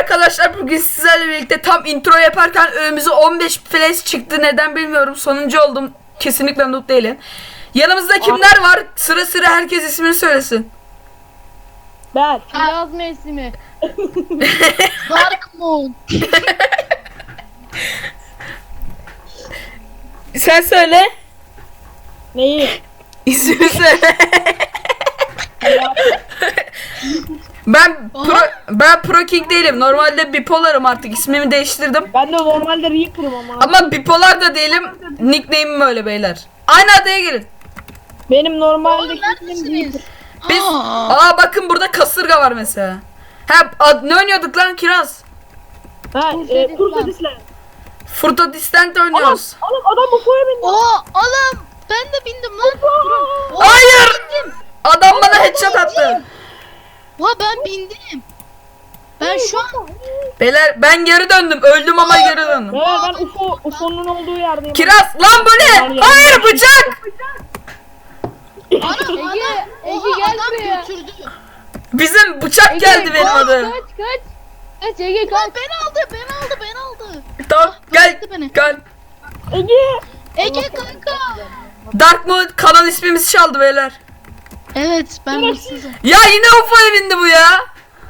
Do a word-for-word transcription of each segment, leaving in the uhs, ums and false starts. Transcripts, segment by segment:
arkadaşlar bugün sizlerle birlikte tam intro yaparken önümüze on beş flash çıktı. Neden bilmiyorum. Sonuncu oldum. Kesinlikle noob değilim. Yanımızda kimler var? Sıra sıra herkes ismini söylesin. Ben. Yaz mevsimi. Dark Moon. Sen söyle. Neyi? İsmini söyle. Ben pro, ben Pro King değilim. Normalde bipolarım artık. İsmimi değiştirdim. Ben de normalde Reaper'ım ama. Ama bipolar da değilim. Nickname'im öyle beyler. Aynı adaya gelin. Benim normalde Oğlum neredesiniz? Biz aa bakın burada kasırga var mesela. Ha ad, ne oynuyorduk lan Kiraz? Ha, e, Turta Disland. Furta Distant oynuyoruz. Oğlum adam bu foya bindi. Oo oğlum ben de bindim lan. Durun. Oo, Hayır! bindim. Adam bana headshot attı. Oha ben bindim. Ben şu an Beyler ben geri döndüm. Öldüm ama geri döndüm. Evet ben U F O, U F O'nun olduğu yerdeyim. Kiraz lan bu ne? Hayır bıçak! ana Ege Ege gel buraya. Götürdü. Bizim bıçak geldi benim adı. Kaç kaç. Kaç Ege kaç. Ben aldı ben aldı ben aldı. Tamam gel bıraktı beni. gel. Ege. Ege kanka. Dark Mode kanal ismimizi çaldı beyler. Evet ben hırsızım. Ya yine U F O'ya bindi bu ya.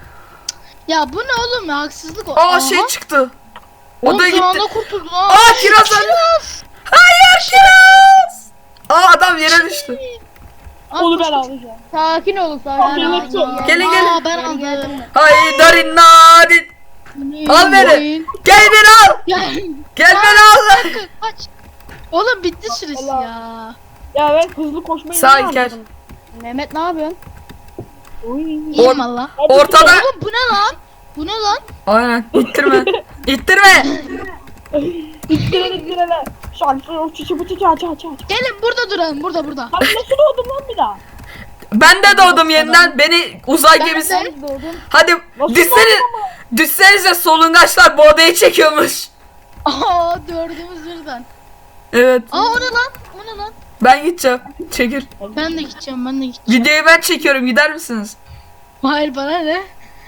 Ya bu ne oğlum ya haksızlık o. Aa Aha. şey çıktı. O Oğlum da son gitti. anda kurtuldun ha. Aa Kiraz öldü. Hayır Kiraz. Aa adam yere düştü. Aa, Onu koş, ben koş. alacağım. Sakin olun Tamam, sakin olun. evet, evet. Gelin, gelin. Aa, ben aldım. Haydarin nadin. Al beni. Gel beni al. Gel. Gel beni al. Kanka, kaç. Oğlum bitti süresi Allah. ya. Ya ben hızlı koşmayı Sağ ne İlker. anladım? Mehmet ne yapıyorsun? Uy. İyiyim valla. Ortada. Oğlum bu ne lan? Bu ne lan? Aynen. İttirme. İttirme. İttirene ittirene. Şarkı o çiçi bu çiçi aç aç aç. Gelin burada duralım. Burada burada. Abi nasıl doğdum lan bir daha? Ben de doğdum yeniden. Beni uzay gemisi. Ben doğdum. Hadi Nasıl düşsene. doğdum ama? Düşsenize solungaçlar bu odayı çekiyormuş. Aa dördümüz birden. Evet. Aa o ne lan? O ne lan? Ben gideceğim. Çekil. Ben de gideceğim ben de gideceğim. Videoyu ben çekiyorum. Gider misiniz? Hayır bana ne?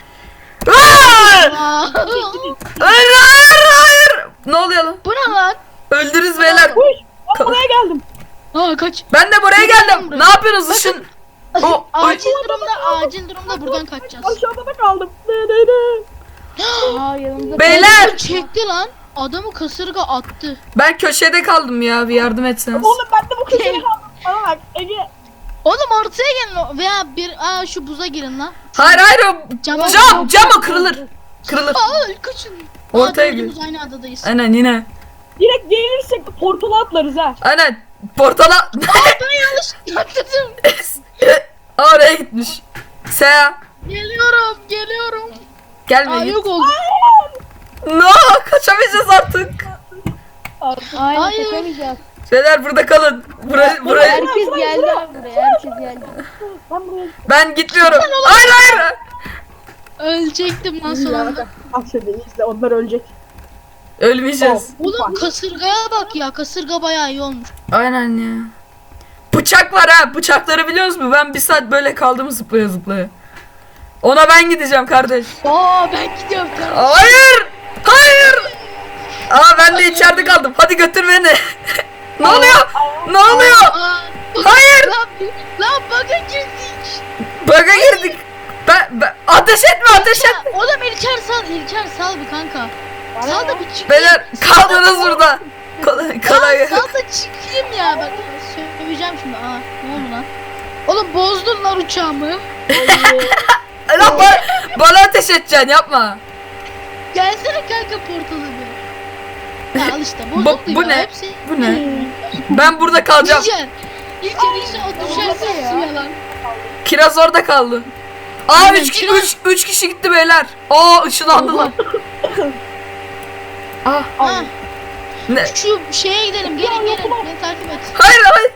Aa! Aa, Hayır hayır hayır. Ne oluyor lan? bu ne lan? Öldürürüz beyler. Uy. Ben buraya geldim. Aa kaç. Ben de buraya geldim. Ne yapıyorsunuz ışın? O, o, Acil durumda acil durumda buradan kaçacağız. Aşağıda da kaldım. Ne ne ne. Aa yanımda. Beyler! Çekti lan. Adamı kasırga attı. ben köşede kaldım ya. Bir yardım etseniz. Oğlum ben de bu köşeye kaldım. Bana bak Ege. Oğlum ortaya gelin o- veya bir aa şu buza girin lan. Hayır hayır o Cama- cam cam o kırılır. Kırılır. Aa kaçın. Ortaya Aa, dördümüz gir. aynı adadayız. Aynen yine. Direkt gelirsek portala atlarız ha. Aynen. Portala. Ben yanlış atladım. Oraya gitmiş. Seha. Geliyorum geliyorum. Gelme Aa git. yok oldu. No kaçamayacağız artık. Aynen Hayır. kaçamayacağız. Şeyler burada kalın. Buraya, buraya. Herkes geldi abi buraya. Herkes geldi. Ben buraya Ben gitmiyorum. Hayır hayır. Ölecektim lan son anda. Bak şimdi izle onlar ölecek. Ölmeyeceğiz. Oğlum kasırgaya bak ya. Kasırga bayağı iyi olmuş. Aynen ya. Bıçak var ha. Bıçakları biliyor musun? Ben bir saat böyle kaldım zıplaya zıplaya. Ona ben gideceğim kardeş. Aa ben gidiyorum. Hayır. Hayır. Aa ben de içeride kaldım. Hadi götür beni. Ne oluyor? Ne oluyor? Aa, Hayır. lan, lan bug'a girdik. Bug'a girdik. Ben, ben ateş etme ateş Ya, etme. oğlum İlker sal. İlker sal bir kanka. Sal da bir çıkayım. Beyler kaldınız burada. Kolay kolay. Ya, sal da çıkayım ya. Bak söyleyeceğim şimdi. Aa ne oldu lan? Oğlum bozdun lan uçağımı. Lan bana, bana ateş edeceksin yapma. Gelsene kanka portalı bir. Ya al işte Bu, bozuldu bu ya. ne? Hepsi. Bu ne? Ben burada kalacağım. İlker. İlker inşallah düşersin suya lan. Kiraz orada kaldı. Aa Aynen, üç, ki, Kiraz- üç, üç kişi gitti beyler. Aa ışınlandılar. Ah Ha, ne? şu şeye gidelim. Gelin gelin. Beni takip et. Hayır hayır.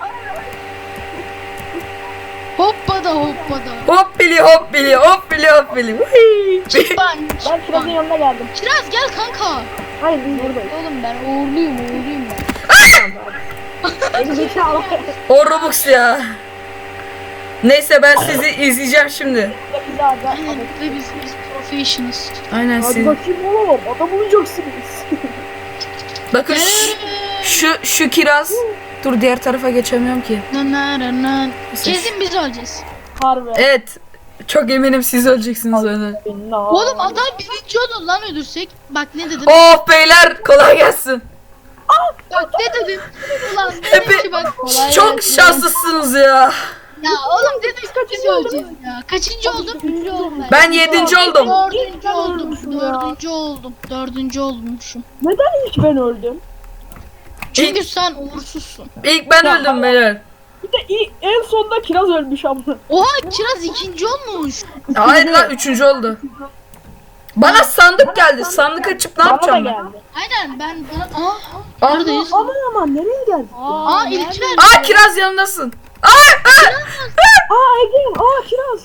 Hoppa da hoppa da. Hop bili hop bili hop bili hop bili. Vıhıy. Çıkban. Ben Kiraz'ın Çıkban. yanına geldim. Kiraz gel kanka. Hayır biz buradayız. Oğlum ben uğurluyum uğurluyum ben. Beni zekalı. O Robux ya. Neyse ben sizi izleyeceğim şimdi. Bizi abi. Aynen ve biz biz motivation'ız. Aynen Hadi siz. bakayım oğlum. Adam olacaksınız. Bakın şu, şu şu kiraz. Dur diğer tarafa geçemiyorum ki. Kesin biz öleceğiz. Harbi. Evet. Çok eminim siz öleceksiniz öyle. Oğlum adam birinci olur lan ölürsek. Bak ne dedim? Oh beyler kolay gelsin. Bak ne dedim? Ulan Hepi- dedim ki bak. Kolay Çok gelsin. şanslısınız ya. Ya oğlum dedim ki biz öleceğiz ya. Kaçıncı oldum? Üçüncü oldum ben. Ben yedinci oldum. Dördüncü oldum. ölmüşüm ya. Dördüncü oldum. Dördüncü olmuşum. Neden ilk ben öldüm? Çünkü sen uğursuzsun. İlk ben öldüm beyler. Bir de ilk, en sonunda kiraz ölmüş ama. Oha Kiraz ikinci olmuş. Hayır lan üçüncü oldu. Bana sandık geldi. Sandık açıp ne Bana da yapacağım ben? geldi. Aynen ben bana... Aa, Aa, neredeyiz? Aman aman nereye geldik? Aa nerede? İlker. Aa kiraz yanındasın. Aa, aa, Aa Ege, aa kiraz.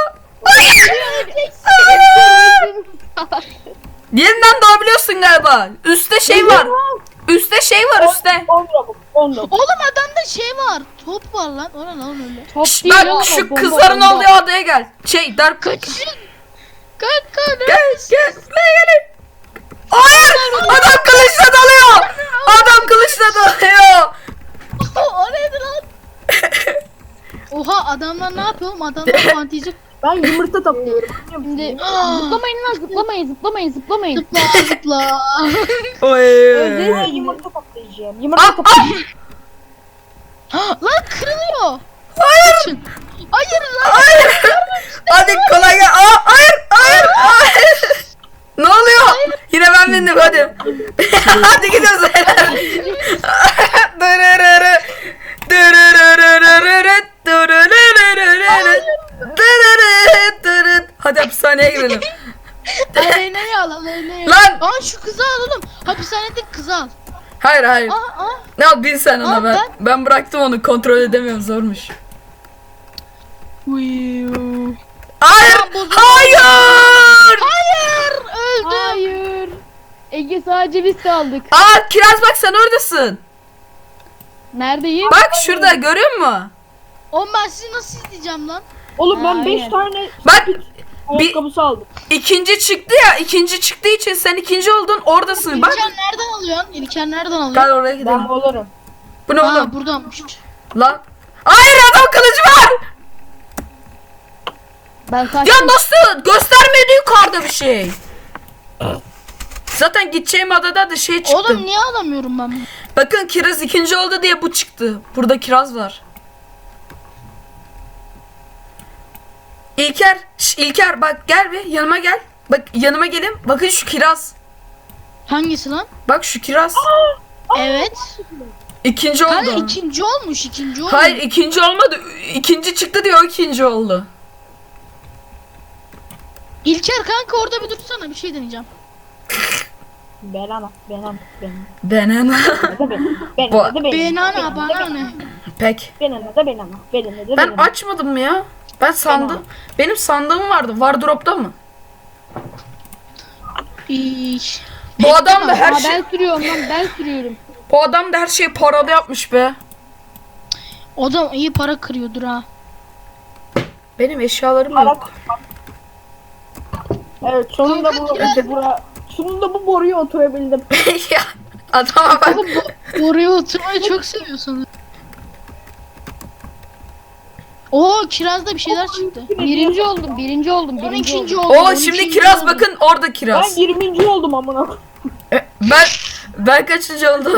Yeniden doğabiliyorsun galiba. Üste şey var. Üste şey var üstte. on robot, on robot. Oğlum adamda şey var. Top var lan. O ne lan öyle? Top Şş, değil bak oğlum, şu bomba, kızların bomba. olduğu adaya gel. Şey dark. Gel Kaçın. Kanka ne? gel. Buraya gelin. Hayır. Adam kılıçla dalıyor. Adam kılıçla dalıyor. O neydi lan? Oha adamlar ne yapıyor oğlum? Adamlar fantezi Ben yumurta topluyorum. Şimdi zıplamayın lan zıplamayın zıplamayın zıplamayın. zıpla zıpla. Oy. Ben yumurta toplayacağım. Yumurta Ah, toplayacağım. Lan kırılıyor. Hayır. Kaçın. Hayır lan. Hayır. Hadi kolay gel. Aa, hayır. Hayır. Hayır. Ne oluyor? Yine ben bindim hadi. Hadi gidiyoruz. Dırırırı. Dırırırırırı. Dırırırırırı. Dırırı, dırı. Hadi hapishaneye girelim. Aleyna al Aleyna al. Lan. Aa şu kızı alalım. Hapishanede kızı al. Hayır hayır. Aa aa. Ne al bin sen ona Aa, ben. ben- Ben bıraktım onu kontrol edemiyorum zormuş. Uyuu. Hayır. Tamam, bozuldu. Hayır. Hayır öldüm. Hayır. Ege sadece biz kaldık. Aa Kiraz bak sen oradasın. Neredeyim? Bak şurada görüyor musun? Oğlum ben sizi nasıl izleyeceğim lan? Oğlum ben Aynen. beş tane Bak ayakkabısı aldım. ikinci çıktı ya. İkinci çıktığı için sen ikinci oldun oradasın. Bak. İlker nereden alıyorsun? İlker nereden alıyorsun? Gel oraya Ben gidelim. olurum. Bu ne Aa oğlum? buradanmış. Lan. Hayır adam kılıcı var. Ben kaçtım. Ya nasıl? Göstermedi yukarıda bir şey. Zaten gideceğim adada da şey çıktı. Oğlum niye alamıyorum ben bunu? Bakın Kiraz ikinci oldu diye bu çıktı. Burada Kiraz var. İlker, şş, İlker bak gel bir yanıma gel. Bak yanıma gelin. Bakın şu Kiraz. Hangisi lan? Bak şu Kiraz. Evet. İkinci Kanka oldu. ikinci olmuş ikinci olmuş. Hayır ikinci olmadı. İkinci çıktı diye o ikinci oldu. İlker kanka orada bir dursana bir şey deneyeceğim. Ben ana, ben ana, ben ana. Ben ana. Da ben. Ben Bu- ana da ben. Benana bana ne? Pek. Ben ana da ben ana. Ben ana da ben Ben ana. açmadım mı ya? Ben sandım. Benim sandığım vardı. Wardrobe'da mı? İş. Bu adam da her Aa, şey ben sürüyorum lan ben sürüyorum. bu adam da her şeyi parada yapmış be. O da iyi para kırıyordur ha. Benim eşyalarım Para- yok. Evet sonunda bu Kanka, bura, sonunda bu boruya oturabildim. Ya adama bak. Oğlum bu oraya oturmayı çok seviyorsun. Oo kirazda bir şeyler çıktı. Birinci oldum birinci oldum on birinci ikinci oldum. oldu. Oo on şimdi ikinci Kiraz oldu. bakın orada Ben Kiraz. yirminci oldum amına. E, Ben ben kaçıncı oldum?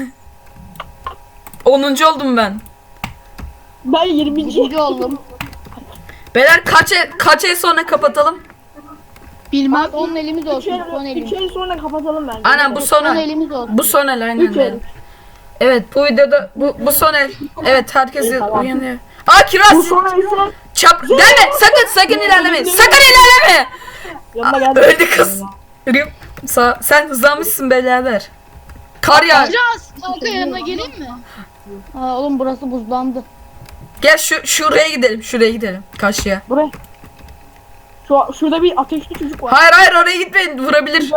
onuncu oldum ben. Ben yirminci. Birinci oldum. Beyler kaç el, kaç el sonra kapatalım? Bilmem. Son elimiz Üç olsun son ay, elimiz. üç ay sonra kapatalım bence. Aynen bu son Son el. elimiz olsun. Bu son el aynen. Üç ay. de. Evet bu videoda bu, bu son el. Evet herkes İyi, tamam. uyanıyor. Aa Bu Kiraz sonra ise çap gelme sakın sakın ilerleme. Sakın ilerleme. yanına geldi. Öldü kız. Rip, Sa sen hızlanmışsın beyler. Kar yağ. Kiraz kanka yanına geleyim mi? Aa, oğlum burası buzlandı. Gel şu şuraya gidelim. Şuraya gidelim. Karşıya. Buraya. Şu, şurada bir ateşli çocuk var. Hayır hayır oraya gitmeyin. Vurabilir.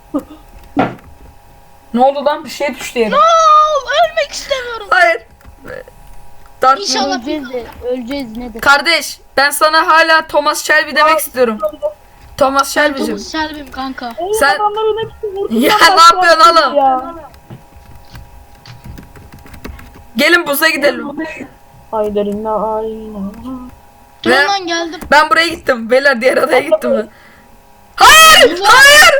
Ne oldu lan? Bir şey düştü yere. Oo, ölmek istemiyorum. Hayır. Dark İnşallah. Öleceğiz de öleceğiz ne de. Kardeş ben sana hala Thomas Shelby demek istiyorum. Thomas Shelby'cim. Thomas Shelby'm kanka. Oğlum Sen- adamların hepsi vurdu. Ya, Sen ne yapıyorsun başlarsın oğlum? ya. Gelin buza gidelim. Haydarina ayna. Dur Ve- lan geldim. Ben buraya gittim. Beyler diğer adaya gittim ben. Hayır! Hayır!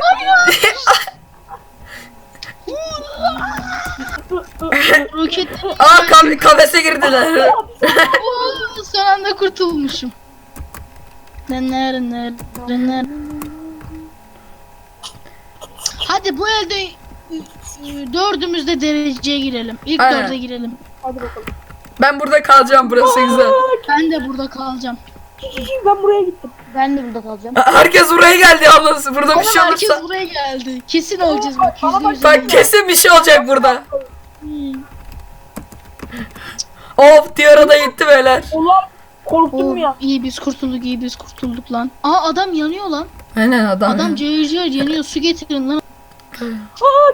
Roket. Aa ka- kafese girdiler. Oo, son anda kurtulmuşum. Neler neler neler. Hadi bu elde ı, ı, dördümüz de dereceye girelim. İlk Aynen. dörde girelim. Hadi bakalım. Ben burada kalacağım, burası güzel. Ben de burada kalacağım. Ben buraya gittim. Ben de burada kalacağım. Herkes buraya geldi yalnız. Burada bir Oğlum şey herkes olursa. buraya geldi. Kesin olacağız bak. Bana Yüzde bak, yüz Bak eminim. kesin bir şey olacak burada. Hmm. Of diğer ada gitti beyler. Ulan korktum Oo, ya. iyi biz kurtulduk, iyi biz kurtulduk lan. Aa adam yanıyor lan. Aynen adam. Adam cayır cayır yanıyor. Su getirin lan. Aa,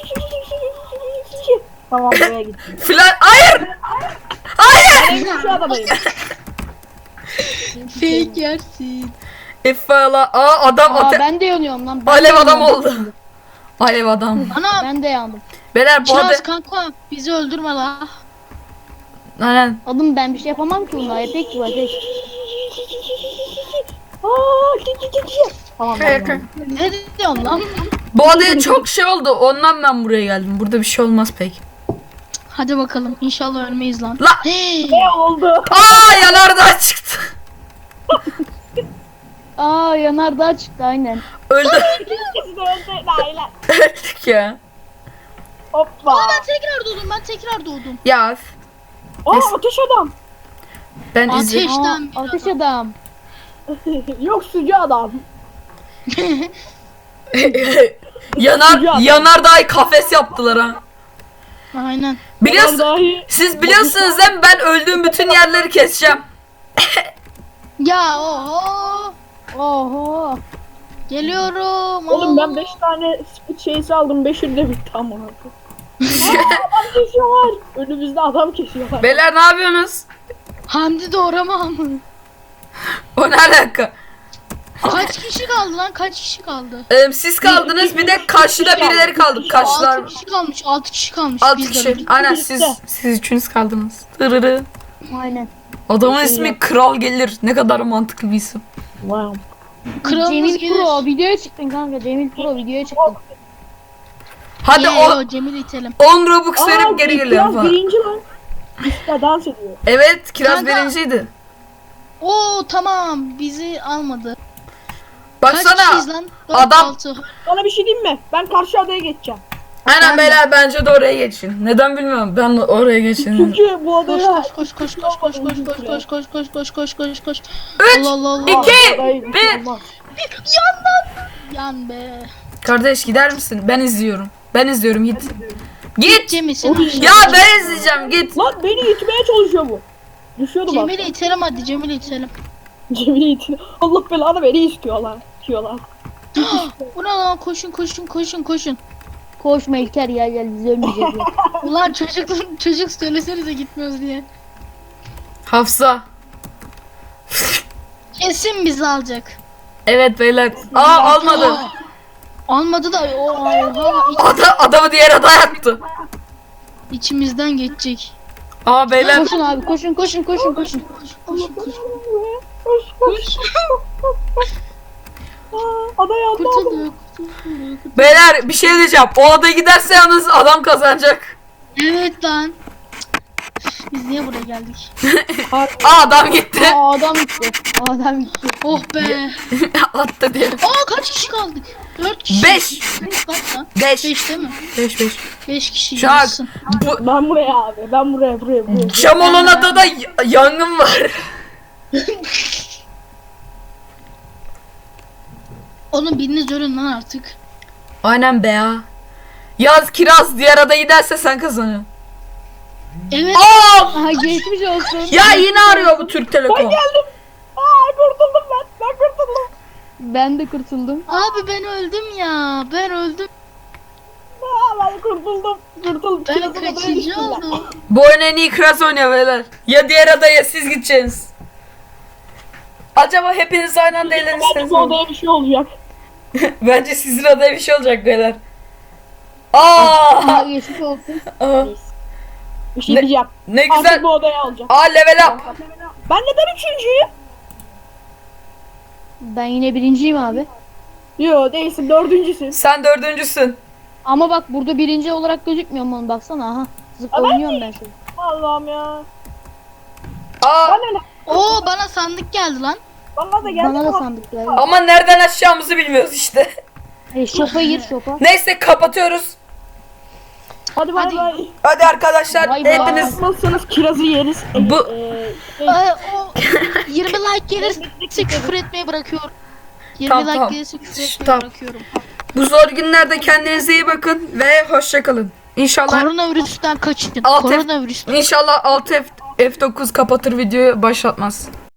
Tamam buraya gittim. Filan hayır. Hayır. Ben şu adadayım. Fake yersin. İffala. Aa adam Aa ate- ben de yanıyorum lan. Ben Alev de adam yanıyorum. oldu. Alev adam. Ana Ben de yandım. Beyler bu ada... Kiraz kanka bizi öldürme la. Aynen. Adım ben bir şey yapamam ki bunlar. Tek bu tek. Aa, ki ki ki ki. Tamam ben geldim. Ne diyorsun lan? Bu adaya çok şey oldu. Ondan ben buraya geldim. Burada bir şey olmaz pek. Hadi bakalım inşallah ölmeyiz lan. La. Hey. Ne oldu? Aa yanardağ çıktı. Aa yanardağ çıktı aynen. Öldü. İkisi de öldü. Layla. Öldük ya. Hoppa. Aa ben tekrar doğdum ben tekrar doğdum. Ya Aa, ateş adam. ben Ateş. izledim. Aa, Ateşten bir ateş adam. Yok sucu adam. Yanar yanardağ kafes yaptılar ha. Aynen. Biliyorsun, Dahi. siz biliyorsunuz değil mi? Ben öldüğüm bütün yerleri keseceğim. Ya oho. Oho. Geliyorum. Oğlum ben Oo. beş tane speed şeysi aldım. beşi de bitti amına koyayım. Aa, adam kesiyorlar. Önümüzde adam kesiyorlar. Beyler ne yapıyorsunuz? Hamdi doğramam. O ne alaka? Kaç kişi kaldı lan? Kaç kişi kaldı? Ee, siz kaldınız bir de karşıda birileri kaldı. Karşılar. altı kişi kalmış. altı kişi kalmış. Altı Biz de kişi. öldük. Aynen siz siz üçünüz kaldınız. Tırırı. Aynen. Adamın ismi Kral Gelir. Ne kadar mantıklı bir isim. Wow. Kralımız Cemil gelir. Pro videoya çıktın kanka. Cemil Pro videoya çıktın. Hadi Ye, o yo, Cemil itelim. on Robux Aa, verip geri geliyorum Kiraz falan. birinci lan. Üstte dans ediyor. Evet Kiraz Kanka. birinciydi. Oo tamam bizi almadı. Baksana. Kaç kişiyiz lan? Dört, adam- altı. Sana bir şey diyeyim mi? Ben karşı adaya geçeceğim. Aynen beyler bence de oraya geçin. Neden bilmiyorum. Ben de oraya geçin. Çünkü bu Koş adaya... koş koş koş koş koş koş koş koş koş koş koş koş koş koş. Üç, Allah Allah Allah. iki, Adayı bir. bitirmez. Yan be. Kardeş gider misin? Ben izliyorum. Ben izliyorum git. Git. Cemil sen. Ya ben izleyeceğim git. Lan beni itmeye çalışıyor bu. Düşüyordu bak. Cemil'i itelim hadi Cemil'i itelim. Cemil'i itiyor. Allah belanı beni istiyorlar. İtiyorlar. Bu ne lan koşun koşun koşun koşun. Koşma İlker ya gel biz ölmeyeceğiz ya. Ulan çocuk çocuk söylesenize gitmiyoruz diye. Hafsa. Kesin bizi alacak. Evet beyler. Aa almadı. Aa, almadı da o oha, iç- Ada, adamı diğer adaya attı. içimizden geçecek. Aa beyler. Koşun abi koşun koşun koşun koşun. Koş koş koş. Aa, adaya atladım. Kurtulduk. kurtulduk. Beyler bir şey diyeceğim. O adaya giderse yalnız adam kazanacak. Evet lan. Biz niye buraya geldik? Aa adam gitti. Aa adam gitti. Aa, adam gitti. Oh be. Attı diye. Aa kaç kişi kaldık? Dört kişi. Beş. Kaç lan? Beş. Beş değil mi? Beş beş. Beş kişi. Şu an yarısın. bu Ben buraya abi. Ben buraya buraya buraya. cam olan adada y- yangın var. Oğlum biriniz ölün lan artık. Aynen be ya. Yaz Kiraz diğer adaya giderse sen kazanıyorsun. Evet. Aa! Aha geçmiş olsun. Ya yine arıyor bu Türk Telekom. Geldim. Aa kurtuldum ben. Ben kurtuldum. Ben de kurtuldum. Abi ben öldüm ya. Ben öldüm. Aa ben kurtuldum. Kurtuldum. Ben Kirazın adaya kaçıncı düştüm ben. oldum? Bu oyun en iyi Kiraz oynuyor beyler. Ya diğer adaya siz gideceksiniz. Acaba hepiniz aynı anda Bence eğlenirseniz bu olur. odaya bir şey olacak. Bence sizin adaya bir şey olacak beyler. Aa! Aa geçmiş olsun. Aa, Bir şey Ne- diyeceğim. ne Artık güzel. bu odaya alacağım. Aa, level up. Ben neden üçüncüyüm? Ben yine birinciyim abi. Yo değilsin dördüncüsün. Sen dördüncüsün. Ama bak burada birinci olarak gözükmüyor mu? Baksana aha. Zıpla Aa, ben oynuyorum ben seni. Allah'ım ya. Aa, Bana ne? Oo bana sandık geldi lan. Bana da geldi. Bana da ama- sandık geldi. ama nereden açacağımızı bilmiyoruz işte. E, şopa gir şopa. Neyse kapatıyoruz. Hadi bay Hadi. bay. Hadi arkadaşlar Bay bay. hepiniz Nasılsınız kirazı yeriz. E, Bu- e, şey, Ee, o yirmi like gelirse küfür etmeyi bırakıyorum. yirmi Tamam, like tamam. gelirse küfür etmeyi Tamam. bırakıyorum. bu zor günlerde kendinize iyi bakın ve hoşça kalın. İnşallah Koronavirüsten kaçın. Alt F- Koronavirüsten. İnşallah altı F F dokuz kapatır videoyu başlatmaz.